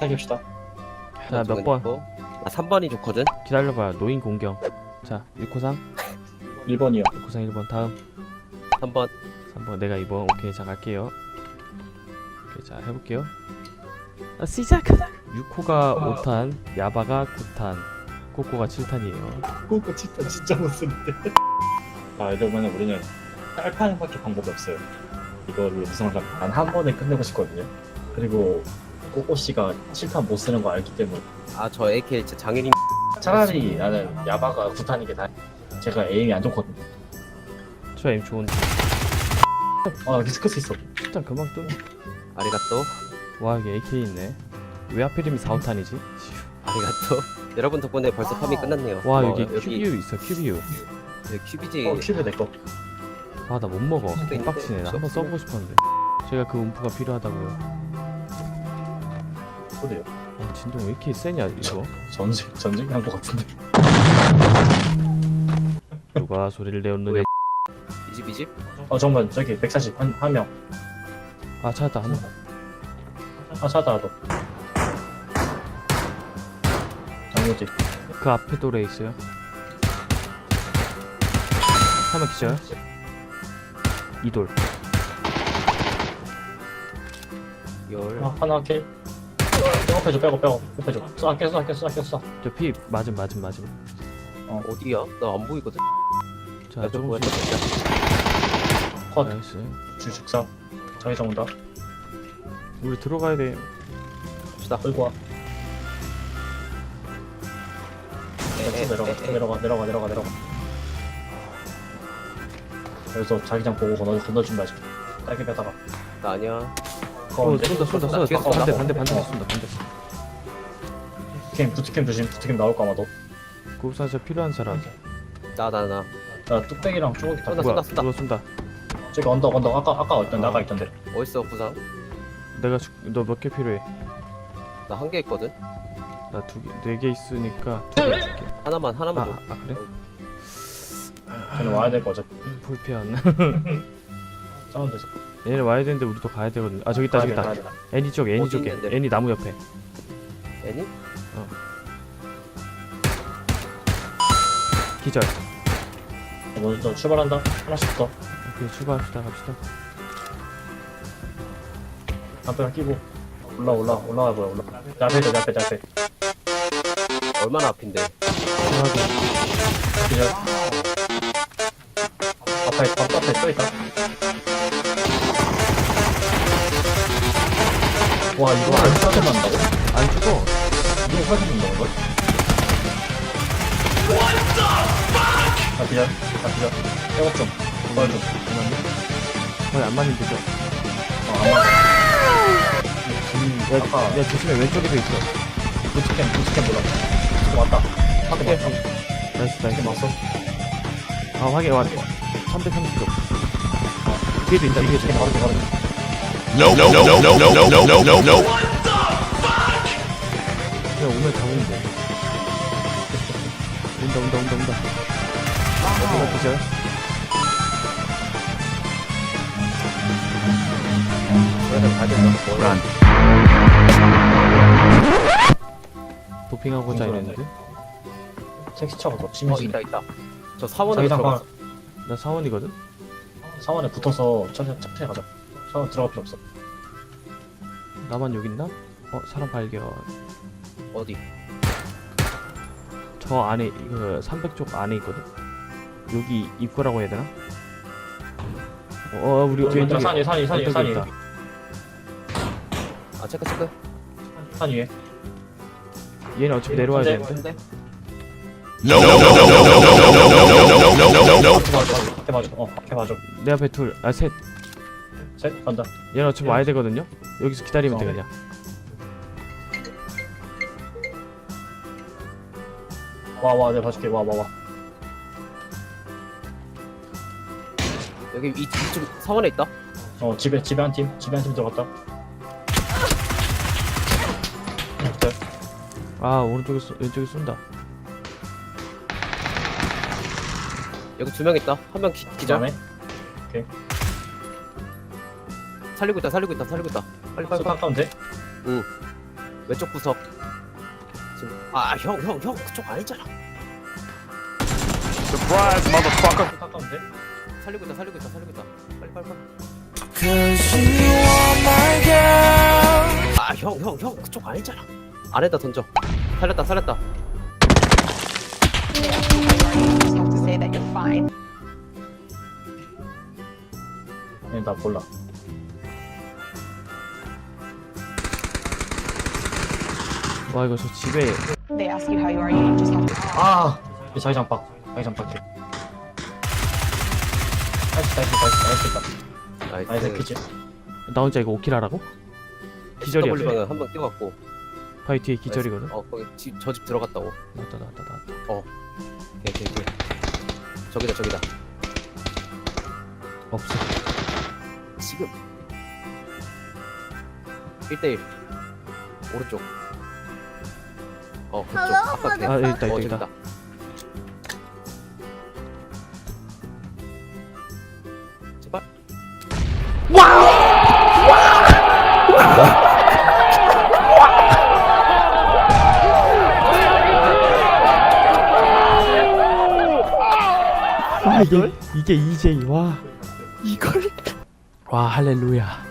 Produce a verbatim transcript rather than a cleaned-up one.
타깁시다. 자, 몇 번? 아 삼 번이 좋거든? 기다려봐요. 노인 공경. 자, 일코상. 일 번이요. 일코상 일 번. 다음. 삼 번. 삼 번. 내가 이 번. 오케이, 자, 갈게요. 오케이, 자, 해볼게요. 아, 시작하자! 육 호가 오 탄, 야바가 구 탄, 꼬꼬가 칠 탄이에요. 그거 진짜 진짜 못 쓰는데. 아, 이러면 우리는 딸파는밖에 방법이 없어요. 이거를 우승을 단한 번에 끝내고 싶거든요. 그리고 꼬꼬 씨가 칠탄 못 쓰는 거 알기 때문에 아 저 에이케이 진짜 장애인. 차라리 나는 야바가 구 탄인 게 다. 제가 에임이 안 좋거든요. 저 에임 좋은데. 아, 리스크 수 있어. 일단 금방 또. 아리가또. 와, 여기 에이케이 있네. 왜 하필이면 사, 오 탄이지? 아리가또. 여러분 덕분에 벌써 팜이 끝났네요. 와, 어, 여기 큐비유 있어, 큐비유. 여기 큐비지. 어, 큐브 내 거. 아, 나 못 먹어. 큐비도 있는데 개빡치네. 나 한번 없으면. 써보고 싶었는데. 제가 그 음프가 필요하다고요. 그래요. 아, 진동 왜 이렇게 세냐, 이거? 전쟁 전쟁 한거 같은데. 누가 소리를 내었느냐. 왜? 이집 이집? 어, 정말 저기 백사십 한 한 명. 아, 찾았다. 한 번. 아, 찾아 나도. 장모지. 그 앞에 또래 있어요. 한 명 기절. 이돌. 열. 아, 하나 킬. 백업해줘, 백업, 백업, 백업해줘. 쏴, 아껴, 쏴, 아껴, 쏴, 아껴, 쏴. 저 피 맞음, 맞음, 맞음. 어디야? 나 안 보이거든. 자, 야, 저 뭐야? 조금씩. 컷. 나이스. 주식사. 자기장 온다. 우리 들어가야 돼. 갑시다. 끌고 와. 에, 에, 내려가, 에, 에. 내려가, 내려가, 내려가, 내려가. 그래서 자기장 보고 건너, 건너준다, 지금. 딸기 빼다가. 나 아니야. 어, 쏜다, 쏜다, 쏜다. 뒤에서 반대, 쏜다. 반대, 반대 어. 쏜다, 반대. 부트캠, 부트캠 조심. 부트캠 나올 거 아마도. 구급상자 필요한 사람. 나 나 나. 나 뚝배기랑 쭈꾸기 다. 쏜다, 뭐야? 쏜다. 누가 쏜다? 저기 언덕, 언덕. 아까, 아까 있던, 나가 있던데. 어딨어 부상? 내가 너 몇 개 필요해? 나 한 개 있거든. 나 두 개, 네 개 있으니까 두 개 줄게. 하나만 아, 하나만 줘. 아 그래? 쟤는 와야 될 거죠. 불편. 사운드에서. 얘네 와야 되는데 우리도 가야 되거든. 아 저기 있다, 저기 있다. 애니 쪽, 애니 어디 쪽에. 있는데? 애니 나무 옆에. 애니? 기절. 먼저 출발한다. 하나씩 더. 오케이, 출발합시다, 갑시다. 담배랑 끼고. 올라, 올라, 올라가 보여, 올라. 내 앞에, 내 앞에, 내 앞에. 얼마나 앞인데? 출발하고. 기절. 앞에, 앞, 앞에 또 있다. 와, 이거 안 싸게 만다고? 안 죽어. 이거 싸게 만다는 걸? 아, 기절. 아, 기절. 백업 좀. 도발 좀. 거의 안 맞는 데죠? 어, 안 맞아. 음, 야, 아까, 야, 조심해, 왼쪽에도 있어. 부트캠, 부트캠 몰라. 어, 왔다. 하도 왔다. 나이스, 부트캠 나이스. 왔어. 아, 확인, 왔 삼백삼십 점. 뒤에도 있다, 뒤에도 부트캠 있다. 바로, 바로. No, no, no, no, no, no, no, no, no, no. 그냥 오면 잡으면 돼. 온다, 온다, 온다, 온다. 어디가 기절? 그래서 가야 된다. 뭐야? 도핑하고자 했는데? 택시차가 더 어 심해지네. 있다 있다. 저 사원에 자기장 가. 들어갔어. 나 사원이거든? 사원에 붙어서 천천히, 천천히 가자. 사원 들어갈 필요 없어. 나만 여기 있나? 어, 사람 발견. 어디? 저 안에, 그, 삼백 쪽 안에 있거든? 여기 입구라고 해야 되나? 어, 어, 우리 저기 있다. 왼쪽에. 산 위에, 산 위에, 산 위에, 산 왼쪽에 위에. 있다. 아 체크 체크. 산 위에. 얘는 어차피 내려와야 근데- 되는데? 근데 No, no, no, no, no, no, no, no, no, no, no, no, no, no. 앞에 봐줘. 앞에 봐줘. 어, 앞에 봐줘. 내 앞에 둘, 아, 셋. 셋, 간다. 얘는 어차피 와야 되거든요? 여기서 기다리면 돼, 어. 그냥. 와, 와, 내가 봐줄게. 와, 와, 와. 여기 이 이쪽 사원에 있다. 어, 집에, 집에 한 팀. 집에 한 팀 들어갔다. 네. 아, 오른쪽에, 쏘, 왼쪽에 쏜다. 여기 두 명 있다. 한 명 기절. 안에. 살리고 있다 살리고 있다 살리고 있다. 빨리 빨리 수 빨리. 가까운데? 응. 왼쪽 구석. 지금 아 형 형 형 그쪽 아니잖아. Surprise, motherfucker. 가까운데? 살리고 있다 살리고 있다 살리고 있다. 빨리 빨리 빨리. 아 형 형 형 그쪽 아니잖아. 안에다 던져. 살렸다 살렸다. They ask you how you are, you just have to say that you're fine. 아니 나 몰라. 와 이거 저 집에 They ask you how you are, you just have to. 아! 이 자기장 박. 자기장 박해. 나이스 나이스 나이스 나이스 나이스 나이스 나이스. 키즈. 나 혼자 이거 오킬 하라고? 기절이야. W방은 한번 뛰어갔고. 바위 뒤에 기절이거든. 어 거기 집 저 집 들어갔다고. 나왔다 나왔다 나왔다. 오케이 오케이 오케이. 저기다 저기다. 없어. 지금 일 대 일 오른쪽 어 그쪽 아까 아, 여기 있다, 어, 있다, 저기 있다. 제발 아 이게 이게 이제이 와 이걸 와 할렐루야.